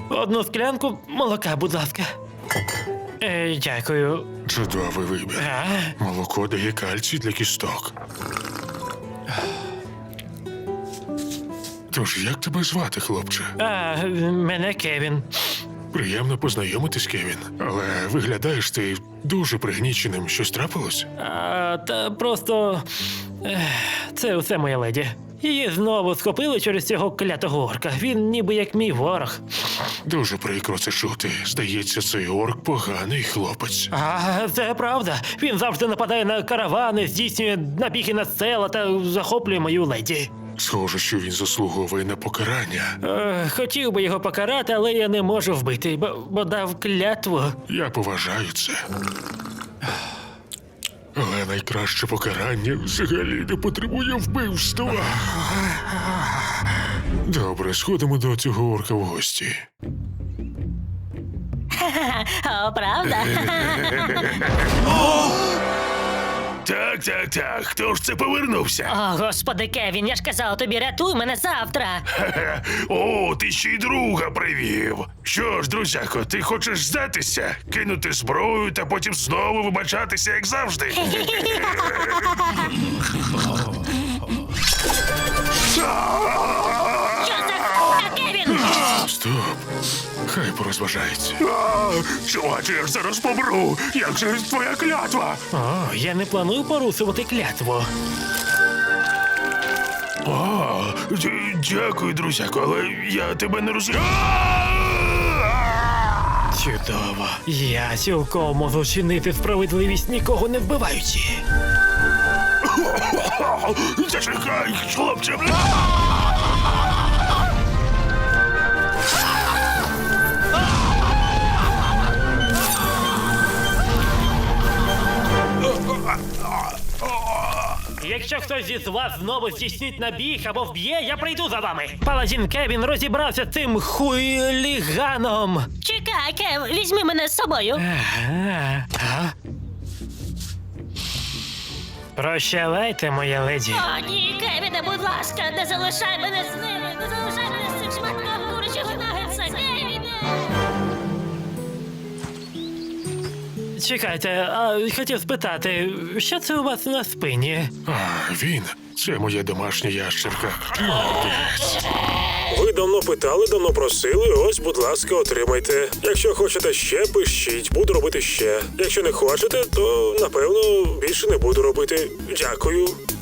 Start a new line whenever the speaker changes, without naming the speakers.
Одну склянку молока, будь ласка. Дякую.
Чудовий вибір. Молоко дає кальцій для кісток. Тож, як тебе звати, хлопче?
Мене Кевін.
Приємно познайомитись, Кевін. Але виглядаєш ти дуже пригніченим. Щось трапилось?
Та просто... Це усе моя леді. Її знову схопили через цього клятого орка. Він ніби як мій ворог.
Дуже прикро це чути. Здається, цей орк поганий хлопець.
Це правда. Він завжди нападає на каравани, здійснює набіги на села та захоплює мою леді.
Схоже, що він заслуговує на покарання.
Хотів би його покарати, але я не можу вбити, бо дав клятву.
Я поважаю це. Але найкраще покарання взагалі не потребує вбивства. Добре, сходимо до цього орка в гості.
О, правда?
Так. Хто ж це повернувся?
О, господи, Кевін, я ж казав тобі, рятуй мене завтра.
О, ти ще й друга привів. Що ж, друзяко, ти хочеш здатися? Кинути зброю та потім знову вибачатися, як завжди?
Що за Кевін?
Стоп. Хай порозважається. Чуваче, я ж зараз помру. Як же твоя клятва?
Я не планую порушувати клятву.
Дякую, друзяко, але я тебе не розумію.
Чудово. Я цілком можу чинити справедливість, нікого не вбиваючи.
Зачекай, хлопче.
Якщо хтось із вас знову здійснить набіг або вб'є, я прийду за вами. Паладін Кевін розібрався з цим хуліганом.
Чекай, Кев, візьми мене з собою.
Прощавайте, моя леді.
О, ні, Кевіне, будь ласка, не залишай мене з ними. Не залишай мене з цим шматком курячого нагетса, Кевіне.
Чекайте, хотів спитати, що це у вас на спині?
Він. Це моя домашня ящерка.
Ви давно питали, давно просили, ось, будь ласка, отримайте. Якщо хочете ще, пишіть, буду робити ще. Якщо не хочете, то, напевно, більше не буду робити. Дякую.